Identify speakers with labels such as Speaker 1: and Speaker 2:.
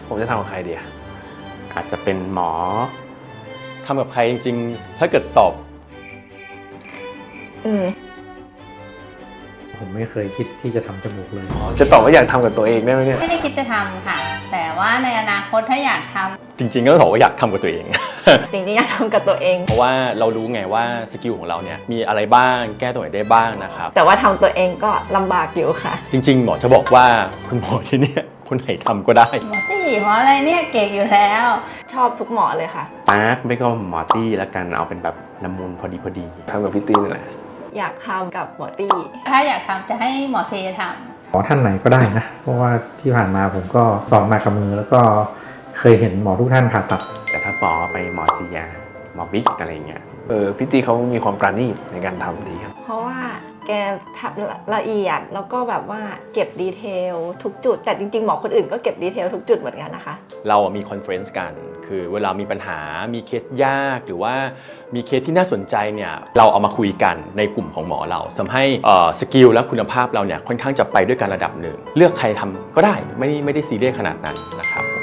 Speaker 1: ผมจะทำกับใครดีอะ
Speaker 2: อาจจะเป็นหมอทำกับใครจริงๆถ้าเกิดตอบ
Speaker 3: ผมไม่เคยคิดที่จะทำจมูกเลย
Speaker 1: จะตอบว่าอยากทำกับตัวเองได้ไหมเนี่ย
Speaker 4: ไม่ได้คิดจะทำค่ะ แต่ว่าในอนาคตถ้าอยากทำ
Speaker 2: จริงๆก็ต้องบอกว่าอยากทำกับตัวเอง
Speaker 5: จริงๆอยากทำกับตัวเอง
Speaker 2: เพราะว่าเรารู้ไงว่าสกิลของเราเนี่ยมีอะไรบ้างแก้ตัวไหนได้บ้างนะครับ
Speaker 5: แต่ว่าทำตัวเองก็ลำบากอยู่ค่ะ
Speaker 2: จริงๆหมอจะบอกว่าคุณหมอที่เนี่ยคนไหนทำก็ได้
Speaker 4: หมอตี้เพราะอะไรเนี่ยเก่งอยู่แล้ว
Speaker 5: ชอบทุกหมอเลยค่ะ
Speaker 2: ปาร์คไม่ก็หมอตี้แล้วกันเอาเป็นแบบละมุนพอดี
Speaker 1: ทำกับพี่ตีนี่แหละ
Speaker 5: อยากทำกับหมอตี้
Speaker 4: ถ้าอยากทำจะให้หมอเชทำ
Speaker 3: หมอท่านไหนก็ได้นะ เพราะว่าที่ผ่านมาผมก็สอนมากับมือแล้วก็เคยเห็นหมอทุกท่านผ่าตัด
Speaker 2: แต่ถ้าฟอไปหมอจียาหมอบิ๊กอะไรเงี้ย
Speaker 1: พี่ตีเขามีความปราณีตในการทำดีครับ
Speaker 5: เพราะว่าแกทำละเอียดแล้วก็แบบว่าเก็บดีเทลทุกจุด แต่จริงๆหมอคนอื่นก็เก็บดีเทลทุกจุดเหมือนกันนะคะ
Speaker 2: เรามีคอนเฟรนซ์กันคือเวลามีปัญหามีเคสยากหรือว่ามีเคสที่น่าสนใจเนี่ยเราเอามาคุยกันในกลุ่มของหมอเราทำให้สกิลและคุณภาพเราเนี่ยค่อนข้างจะไปด้วยกันระดับหนึ่งเลือกใครทำก็ได้ไม่ได้ซีเรียสขนาดนั้นนะครับ